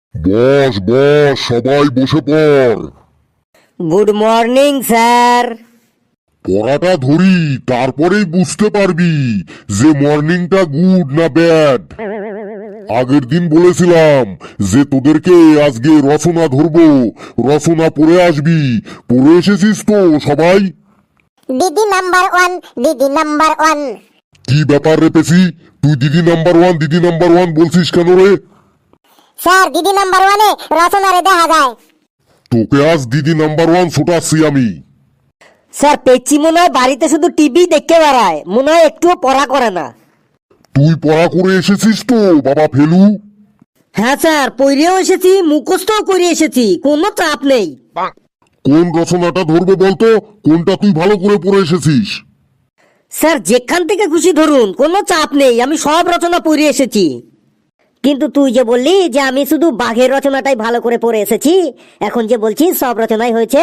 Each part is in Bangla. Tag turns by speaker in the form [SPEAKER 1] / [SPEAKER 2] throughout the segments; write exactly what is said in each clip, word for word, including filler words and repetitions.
[SPEAKER 1] বস বস সবাই বসে পড়।
[SPEAKER 2] Good morning sir.
[SPEAKER 1] পড়াটা ধরি, তারপরেই বুঝতে পারবি যে মর্নিংটা গুড না ব্যাড। আগের দিন বলেছিলাম যে তোদেরকে আজকে রচনা ধরবো, রচনা পড়ে আসবি। পড়ে এসেছিস তো সবাই?
[SPEAKER 3] দিদি নাম্বার ওয়ান, দিদি নাম্বার ওয়ান।
[SPEAKER 1] কি ব্যাপার রে পেছি, তুই দিদি নাম্বার ওয়ান দিদি নাম্বার ওয়ান বলছিস কেন রে?
[SPEAKER 3] স্যার দিদি নাম্বার ওয়ানে রচনারে দেখা যায়।
[SPEAKER 1] তোকে আজ দিদি নাম্বার ওয়ান ছোটাচ্ছি আমি।
[SPEAKER 2] স্যার পেচ্ছি মনে হয় বাড়িতে শুধু টিভি দেখতে বেড়ায়, মনে হয় একটুও পড়া করে না।
[SPEAKER 1] তুই পড়া করে এসেছিস তো বাবা ফেলু?
[SPEAKER 2] হ্যাঁ স্যার, পড়েও এসেছি, মুখস্থও করে এসেছি, কোনো চাপ নেই।
[SPEAKER 1] কোন রচনাটা ধরবো বলতো? কোনটা তুই ভালো করে পড়ে এসেছিস?
[SPEAKER 2] স্যার যেখান থেকে খুশি ধরুন, কোনো চাপ নেই, আমি সব রচনা পড়ে এসেছি। কিন্তু তুই যে বললি যে আমি শুধু বাঘের রচনাটাই ভালো করে পড়ে এসেছি, এখন যে বলছিস সব রচনাই হয়েছে।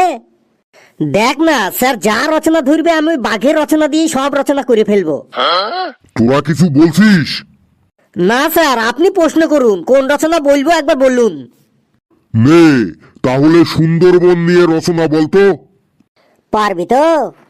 [SPEAKER 2] দেখ না স্যার, যা রচনা ধরবে আমি ওই বাঘের রচনা দিয়ে সব রচনা করে ফেলবো।
[SPEAKER 1] তোরা কিছু বলছিস?
[SPEAKER 2] না স্যার, আপনি প্রশ্ন করুন, কোন রচনা বলবো একবার বলুন।
[SPEAKER 1] নে তাহলে সুন্দরবন নিয়ে রচনা বলতো।
[SPEAKER 2] পারবি তো?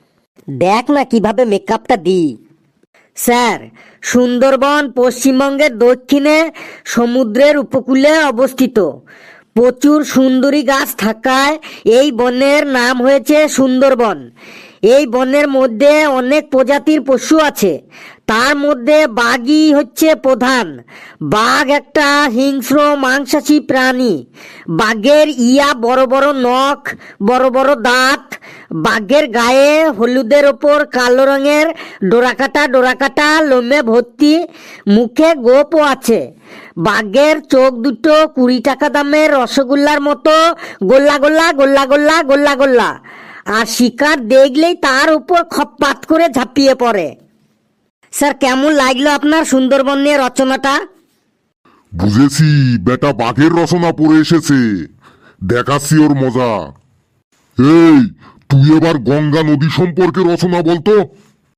[SPEAKER 2] দেখ না কিভাবে মেকআপটা দিই। স্যার, সুন্দরবন পশ্চিমবঙ্গের দক্ষিণে সমুদ্রের উপকূলে অবস্থিত। প্রচুর সুন্দরী গাছ থাকায় এই বনের নাম হয়েছে সুন্দরবন। এই বনের মধ্যে অনেক প্রজাতির পশু আছে, তার মধ্যে বাঘই হচ্ছে প্রধান। বাঘ একটা হিংস্র মাংসাশী প্রাণী। বাঘের ইয়া বড় বড় নখ, বড় বড় দাঁত। বাঘের গায়ে হলুদের ওপর কালো রঙের ডোরাকাটা ডোরাকাটা লোমে ভর্তি। মুখে গোপও আছে। বাঘের চোখ দুটো কুড়ি টাকা দামের রসগোল্লার মতো গোল্লা গোল্লা গোল্লা গোল্লা গোল্লা গোল্লা। আর শিকার দেখলেই তার উপর খপ্পাত করে ঝাঁপিয়ে পড়ে। স্যার কেমন লাগলো আপনার সুন্দরবন নিয়ে রচনাটা?
[SPEAKER 1] বুঝেছি, বেটা বাঘের রচনা পড়ে এসেছে, দেখাচ্ছি ওর মজা। এই তুই এবার গঙ্গা নদী সম্পর্কে রচনা বলতো।